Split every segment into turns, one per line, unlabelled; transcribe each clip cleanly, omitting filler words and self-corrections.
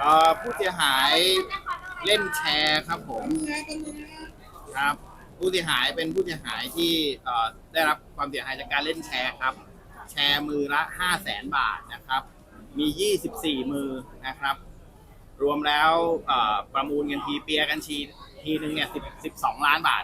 ผู้เสียหายเล่นแชร์ครับผมครับผู้เสียหายเป็นผู้เสียหายที่ได้รับความเสียหายจากการเล่นแชร์ครับแชร์มือละ500,000 บาทนะครับมี24มือนะครับรวมแล้วประมูลกันทีเปียกันทีหนึ่งเนี่ย12 ล้านบาท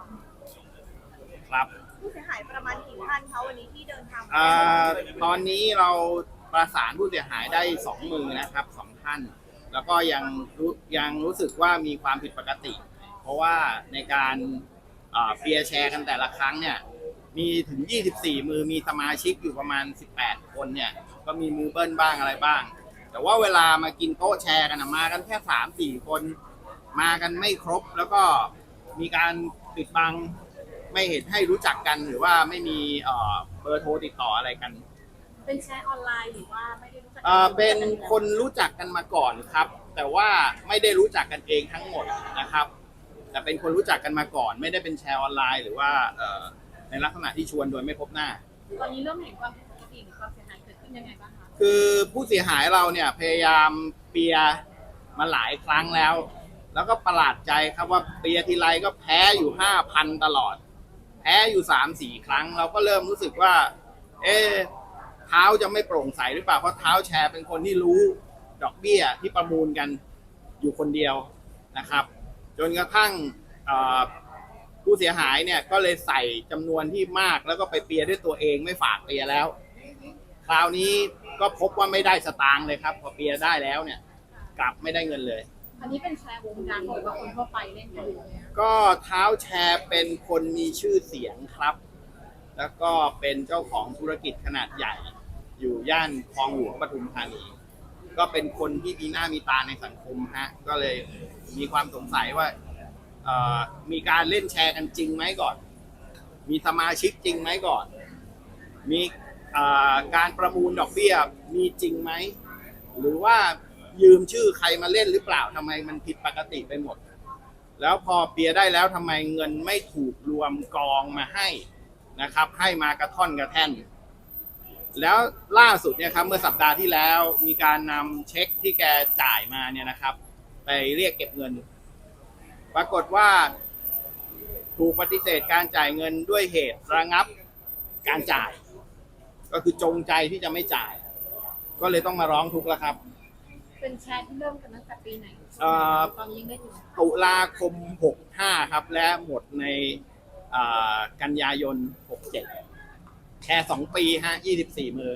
ครับ
ผู้เสียหายประมาณกี่ท่านคะวันนี้ที่เดินทาง
ตอนนี้เราประสานผู้เสียหายได้2มือนะครับ2ท่านแล้วก็ยังรู้สึกว่ามีความผิดปกติเพราะว่าในการเปียร์แชร์กันแต่ละครั้งเนี่ยมีถึง24มือมีสมาชิกอยู่ประมาณ18คนเนี่ยก็มีมือเบิ้ลบ้างอะไรบ้างแต่ว่าเวลามากินโต๊ะแชร์กันมากันแค่3-4คนมากันไม่ครบแล้วก็มีการปิดบังไม่เห็นให้รู้จักกันหรือว่าไม่มีเบอร์โทรติดต่ออะไรกัน
เป็นแชร์ออนไลน์หรือว่าไม่ได้รู้จัก
เป็นคนรู้จักกันมาก่อนครับแต่ว่าไม่ได้รู้จักกันเองทั้งหมดนะครับแต่เป็นคนรู้จักกันมาก่อนไม่ได้เป็นแชร์ออนไลน์หรือว่าในลักษณะที่ชวนโดยไม่พบหน้า
ตอนนี้เริ่มเห็นความผิดปกติหรือความเสียหายเกิดขึ้นยังไงบ้างคะ
คือผู้เสียหายเราเนี่ยพยายามเปียมาหลายครั้งแล้วก็ประหลาดใจครับว่าเปียทีไรก็แพ้อยู่5,000ตลอดแพ้อยู่3-4 ครั้งเราก็เริ่มรู้สึกว่าเท้าจะไม่โปร่งใสหรือเปล่าเพราะเท้าแชร์เป็นคนที่รู้ดอกเบี้ยที่ประมูลกันอยู่คนเดียวนะครับจนกระทั่งผู้เสียหายเนี่ยก็เลยใส่จำนวนที่มากแล้วก็ไปเปียด้วยตัวเองไม่ฝากเปียแล้วคราวนี้ก็พบว่าไม่ได้สตางค์เลยครับพอเปียได้แล้วเนี่ยกลับไม่ได้เงินเลย
อันนี้เป็นแชร์วงการหรือว่าคนทั่วไปเล่นกัน
ก็เท้าแชร์เป็นคนมีชื่อเสียงครับแล้วก็เป็นเจ้าของธุรกิจขนาดใหญ่อยู่ย่านคลองหลวงปทุมธานีก็เป็นคนที่มีหน้ามีตาในสังคมฮะก็เลยมีความสงสัยว่ามีการเล่นแชร์กันจริงไหมก่อนมีสมาชิกจริงไหมก่อนมีการประมูลดอกเบี้ยมีจริงไหมหรือว่ายืมชื่อใครมาเล่นหรือเปล่าทำไมมันผิดปกติไปหมดแล้วพอเปียได้แล้วทำไมเงินไม่ถูกรวมกองมาให้นะครับให้มากระท่อนกระแท่นแล้วล่าสุดเนี่ยครับเมื่อสัปดาห์ที่แล้วมีการนำเช็คที่แกจ่ายมาเนี่ยนะครับไปเรียกเก็บเงินปรากฏว่าถูกปฏิเสธการจ่ายเงินด้วยเหตุระงับการจ่ายก็คือจงใจที่จะไม่จ่ายก็เลยต้องมาร้องทุกข์แล้วครับ
เป็นแชร์ที่เริ่มกันตั้งแต่ปีไหนตอนนี้ยังได้อยู่
ตุลาคม65ครับและหมดในกันยายน67แชร์2ปีฮะ24มือ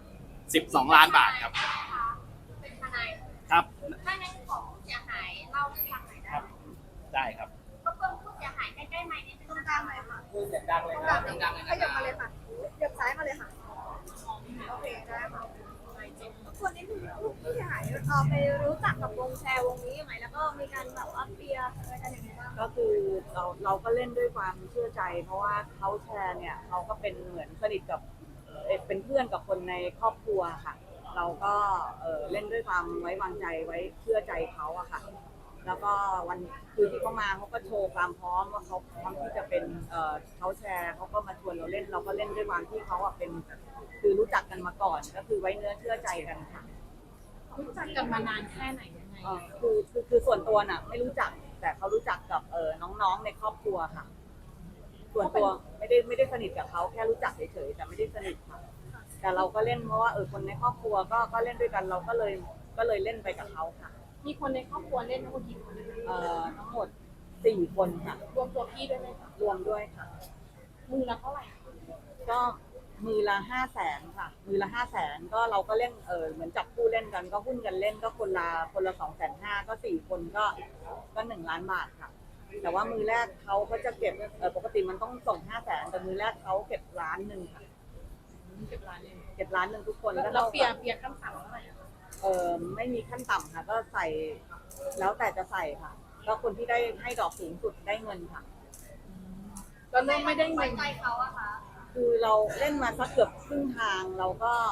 12 ล้านบาทครับ
เป็นทนาย
ครับ
ถ้าในของเสียหายเล่าให้ฟังหน่อยได้
ได้ครับ
ก็เพิ่มผู้เสียหายใกล้ๆไหมเนี่ยตรงกลางเลยค่ะ
พูดเสียงดังเลยครับ
ดังๆเลยขยับมาเลยค่ะขยับซ้ายมาเลยค่ะโอเคได้ค่ะคนนี้คือผู้เสียหายไปรู้จักกับวงแชร์วงนี้ยังไงแล้วก็มีการแบบว่าเปียอะไรกันยังไงบ้าง
ก็คือเราก็เล่นด้วยความเชื่อใจ เพราะว่าเขาแชร์เนี่ยเขาก็เป็นเหมือนสนิทกับเป็นเพื่อนกับคนในครอบครัวค่ะเราก็เล่นด้วยความไว้วางใจไว้เชื่อใจเขาอะค่ะแล้วก็วันคือที่เขามาเขาก็โชว์ความพร้อมว่าเขาพร้อมที่จะเป็นเขาแชร์เขาก็มาชวนเราเล่นเราก็เล่นด้วยความที่เขาอะเป็นคือรู้จักกันมาก่อนก็คือไว้เนื้อเชื่อใจกันค่ะ
รู้จักกันมานานแค่ไหนยังไง
คือส่วนตัวน่ะไม่รู้จักแต่เขารู้จักกับน้องๆในครอบครัวค่ะส่วนตัวไม่ได้สนิทกับเขาแค่รู้จักเฉยๆแต่ไม่ได้สนิทค่ะแต่เราก็เล่นเพราะว่าคนในครอบครัวก็เล่นด้วยกันเราก็เลยเล่นไปกับเขาค่ะ
มีคนในครอบครัวเล่นทั้งหมดกี่คน
ทั้งหมด4 คนค่ะ
รวมตัวพี่ด้วยไหมคะ
รวมด้วยค่ะ
มือละเท่าไหร่
ก็มือละ500,000ค่ะมือละ500,000ก็เราก็เล่นเหมือนจับคู่เล่นกันก็หุ้นกันเล่นก็คนละ250,000ก็4 คนก็1 ล้านบาทค่ะแต่ว่ามือแรกเขาก็จะเก็บปกติมันต้องส่ง500,000แต่มือแรกเขาเก็บ1 ล้านค่ะ
เก็บ1 ล้าน
ทุกคน
แล้วเปียขั้นต่ำเท่าไหร่
ไม่มีขั้นต่ำค่ะก็ใส่แล้วแต่จะใส่ค่ะก็คนที่ได้ให้ดอกสูงสุดได้เงินค่ะ
ก็ไม่ได้เงินใจเขาอะค่ะ
คือเราเล่นมาสักเกือบครึ่งทางเรา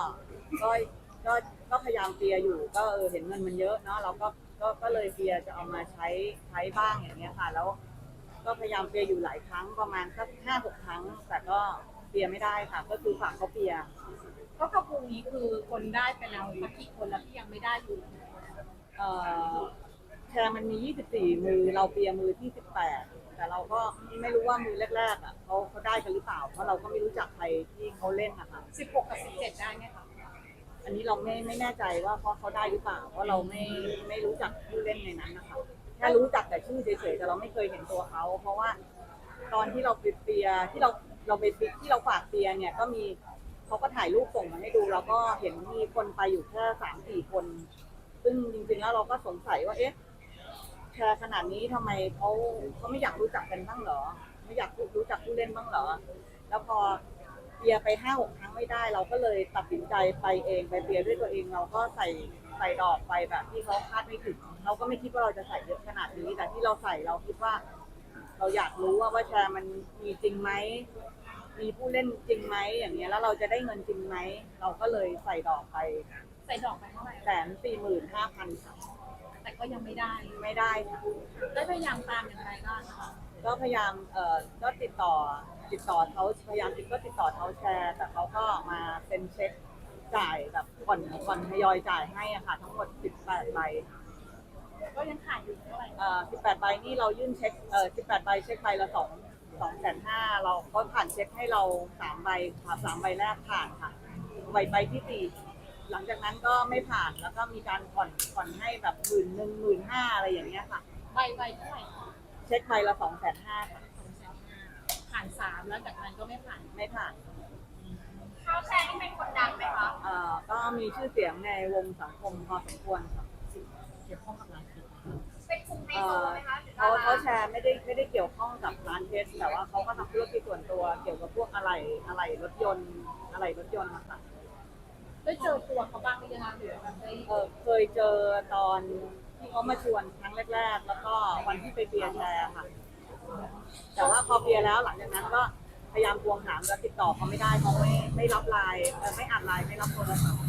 ก็พยายามเปียอยู่ก็เห็นเงินมันเยอะเนาะเราก็เลยเปียจะเอามาใช้บ้างอย่างเงี้ยค่ะแล้วก็พยายามเปียอยู่หลายครั้งประมาณสัก5-6 ครั้งแต่ก็เปียไม่ได้ค่ะก็คือฝากเขาเปีย
ก็กระปุกนี้คือคนได้ไปแล้วกี่คนแล้วที่ยังไม่ได้อยู่
เอ่อแชร์มันมี 24 มือเราเปียร์มือที่ 18 แต่เราก็ไม่รู้ว่ามือแรกๆอ่ะเขาได้กันหรือเปล่าเพราะเราก็ไม่รู้จักใครที่เขาเล่นนะคะ
16 กับ 17 ได้ไหมคะ
อันนี้เราไม่แน่ใจว่าเขาได้หรือเปล่าเพราะเราไม่รู้จักผู้เล่นในนั้นนะคะแค่รู้จักแต่ชื่อเฉยๆแต่เราไม่เคยเห็นตัวเขาเพราะว่าตอนที่เราไปเปียร์ที่เราไปที่เราฝากเปียร์เนี่ยก็มีเขาก็ถ่ายรูปส่งมาให้ดูเราก็เห็นมีคนไปอยู่แค่3-4 คน ซึ่งจริงๆแล้วเราก็สงสัยว่าเอ๊ะแชร์ขนาดนี้ทำไมเขาไม่อยากรู้จักกันบ้างเหรอไม่อยากรู้จักผู้เล่นบ้างเหรอแล้วพอเปียร์ไป5-6 ครั้งไม่ได้ เราก็เลยตัดสินใจไปเองไปเปียร์ด้วยตัวเองเราก็ใส่ดอกไปแบบที่เขาคาดไม่ถึงเราก็ไม่คิดว่าเราจะใส่เยอะขนาดนี้แต่ที่เราใส่เราคิดว่า เราอยากรู้ว่าแชร์มันมีจริงไหมมีผู้เล่นจริงไหมอย่างเงี้ยแล้วเราจะได้เงินจริงไหมเราก็เลยใส่ดอกไป
ใส่ดอกไปเท่าไหร่
145,000 ค่ะ
แต่ก็ยังไม่ได้
ไม่ได้ค่ะ
ได้พยายามตามอย่างไรบ้างคะ
ก็พยายามก็ติดต่อเขาพยายามก็ติดต่อเขาแชร์ แต่เขาก็มาเป็นเช็คจ่ายแบบผ่อนทยอยจ่ายให้อะค่ะทั้งหมด18 ใบ
ก็ยังขาดอยู่เท่าไหร่
18 ใบนี่เรายื่นเช็ค18 ใบเช็คใบละ2,500,000เราก็ผ่านเช็คให้เรา3 ใบค่ะ3 ใบแรกผ่านค่ะใบที่4หลังจากนั้นก็ไม่ผ่านแล้วก็มีการผ่อนให้แบบ11,000 15,000อะไรอย่างเงี้ยค่ะ
ใบเท่าไหร่คะ
เช็คใบละ2,500,000ค่ะ
ผ่าน3แล้วจากนั้นก็ไม่ผ่าน
ไม่ผ่าน
เขาแชร์นี่เป็นคนดังไหมคะ
ก็มีชื่อเสียงในวงสังคมพอสมควรค่ะ
เกี่ยวข้องกับร้านเพชร
เป็นกลุ่มไฮโซไหมคะหรือ
เขาแชร์ไม่ได้เกี่ยวข้องกับร้านเพชรแต่ว่าเขาก็ทำธุรกิจส่วนตัวเกี่ยวกับพวกอะไรรถยนต์นะคะ
ได้เจอตัวเขาบ้างหรือยังคะหรือแบบได้
เคยเจอตอนที่เขามาชวนครั้งแรกๆ แล้วก็วันที่ไปเบียร์แชร์ค่ะ แต่ว่าพอเบียร์แล้วหลังจากนั้นก็พยายามทวงถามแล้วติดต่อเขาไม่ได้เขาไม่รับไลน์ไม่อ่านไลน์ไม่รับโทรศัพท์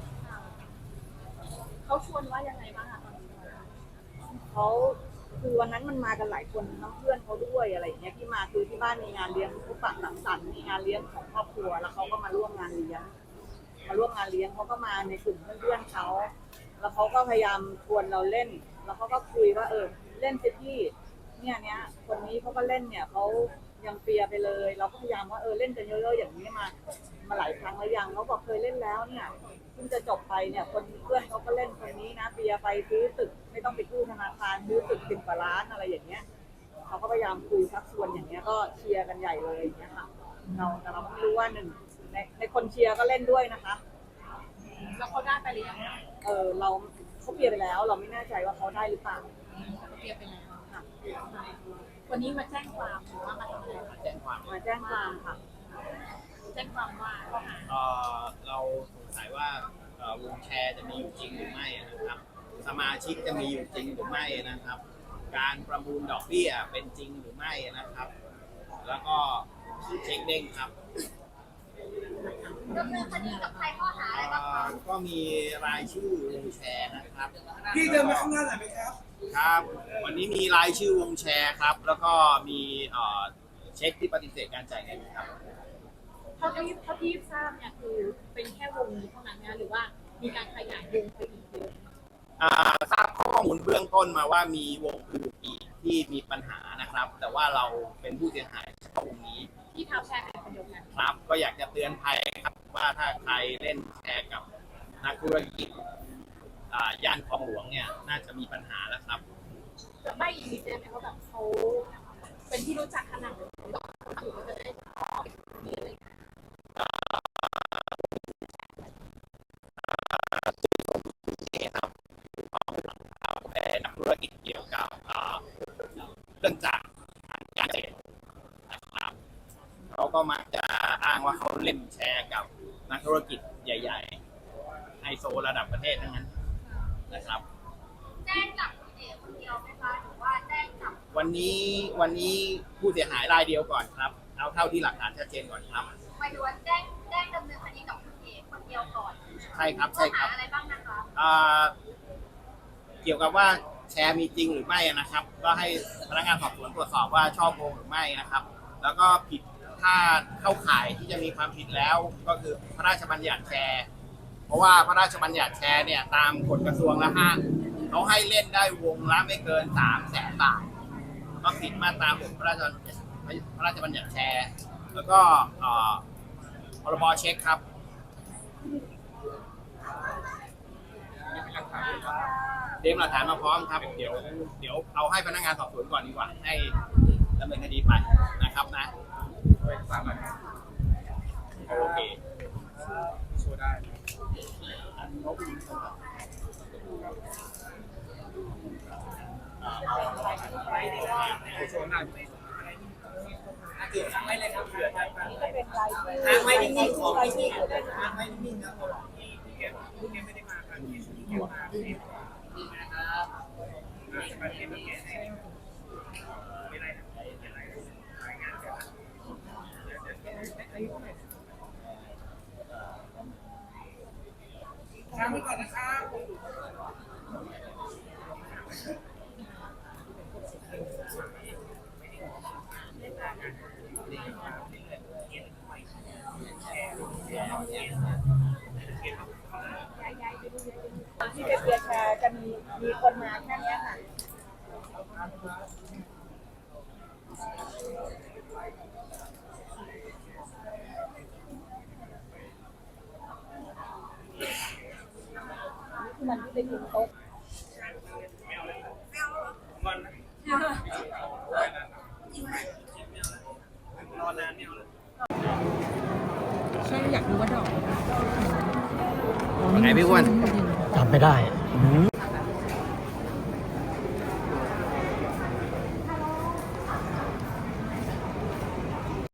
เขาชวนว่ายังไงบ้างคะตอนนี้
เขาคือวันนั้นมันมากันหลายคนทั้งเพื่อนเขาด้วยอะไรอย่างเงี้ยที่มาคือที่บ้านมีงานเลี้ยงพบปะสังสรรค์มีงานเลี้ยงของครอบครัวแล้วเขาก็มาร่วมงานเลี้ยงเขาก็มาในกลุ่มเพื่อนๆเขาแล้วเขาก็พยายามชวนเราเล่น แล้วเขาก็คุยว่าเล่นสิพี่เนี่ยคนนี้เขาก็เล่นเนี่ยเขายังเปียไปเลย เราก็พยายามว่าเล่นกันเยอะๆอย่างนี้มาหลายครั้งแล้วยังเขาบอกเคยเล่นแล้วเนี่ยเพิ่งจะจบไปเนี่ยคนเพื่อนเขาก็เล่นคนนี้นะเปียไปซื้อตึกไม่ต้องไปกู้ธนาคารซื้อตึก10 กว่าล้านอะไรอย่างเงี้ยเขาก็พยายามคุยชักชวนอย่างเงี้ยก็เชียร์กันใหญ่เลยอย่างเงี้ยค่ะแต่เราไม่รู้ว่าในคนเชียร์ก็เล่นด้วยนะคะ
แล้วเขาได้ไปหรือยัง
เขาเปียร์ไปแล้วเราไม่แน่ใจว่าเขาได้หรือเปล่า
เขาเตรียมไปแล้ว
ค่ะ
วันนี้มาแจ้งความหรือว่ามาทำอะไรคะ
แจ้งความ
มาแจ้งความค่ะ
แจ้งความว่าข้อหา
เราสงสัยว่าวงแชร์จะมีอยู่จริงหรือไม่นะครับ สมาชิกจะมีอยู่จริงหรือไม่นะครับ การประมูลดอกเบี้ยเป็นจริงหรือไม่นะครับ แล้วก็เช็คเด้งครับ
ดำเนินคดีกับใครข้อหาอะไรบ้างคะ
ก็มีรายชื่อวงแชร์นะครับ
พี่เดินมาข้างหน้าหน่อยไหมครับ
ครับ วันนี้มีรายชื่อวงแชร์ครับ แล้วก็มีเช็คที่ปฏิเสธการจ่ายเงินครับ
เท่าที่ทราบเนี่ยคือเป็นแค่วงนี้เท่านั้นนะหรือว่ามีการขยายวงไปอีกเยอะ
ทราบข้อมูลเบื้องต้นมาว่ามีวงอื่นอีกที่มีปัญหานะครับ แต่ว่าเราเป็นผู้เสียหายเฉพาะวงนี้
ที่เท้าแชร์เป็นคนเดียวกัน
ครับ ก็อยากจะเตือนภัยครับว่าถ้าใครเล่นแชร์กับนักธุรกิจย่านคลองหลวงเนี่ยน่าจะมีปัญหาแล้วครับ
แล้วไม่อีกนิดได้ไหมเขาแบบเขาเป็นที่รู้จักขนาดไหนหรือว่าถือว่าจะได้มีอะไร
เป็นนักธุรกิจเกี่ยวกับเรื่องจากการเงินนะครับเขาก็มักจะอ้างว่าเขาเล่นแชร์กับนักธุรกิจใหญ่ๆไฮโซระดับประเทศทั้งนั้นนะครับ
แจ้งจับคุณเอ๋คนเดียวไหมคะหรือว่าแจ้งจับ
วันนี้ผู้เสียหายรายเดียวก่อนครับเอาเท่าที่หลักฐานชัดเจนก่อนครับ
หมายถึงว่าแจ้งดำเนินคดีกับคุณเอ๋คนเดียวก่อน
ใช่ครับ
ข้อ
ใช่ค
หา
รับ
อะไรบ้างนะคะ
เกี่ยวกับว่าแชร์มีจริงหรือไม่นะครับ ก็ให้พนักงานสอบสวนตรวจสอบว่าช่อโกงหรือไม่นะครับ แล้วก็ผิดถ้าเข้าข่ายที่จะมีความผิดแล้วก็คือพระราชบัญญัติแชร์ เพราะว่าพระราชบัญญัติแชร์เนี่ยตามกฎกระทรวงและห้างเขาให้เล่นได้วงละไม่เกิน300,000 บาทก็ผิดมาตรา6พระราชบัญญัติแชร์ แล้วก็พรบเช็คครับเตรียมหลักฐานมาพร้อมครับ เดี๋ยวเอาให้พนักงานสอบสวนก่อนดีกว่า ให้ดำเนินคดีไปนะครับนะโอเคโชว์ได้โชว์ได้ทางไม่เลยครับทางไม่นิ่งๆของนิ่งๆทางไม่นิ่งๆครับคุณไม่ได้มาครับนี่นะครับ
ทางไปก่อนนะครับ
ที่ไปเปียร์แชร์จะมีคนมาแค่เนี้ยค่ะมันที่ไปกินโต๊ะ
ใช่อยากรู้ว่าดอก
ไงพี่อ้วน
จำไม่ได้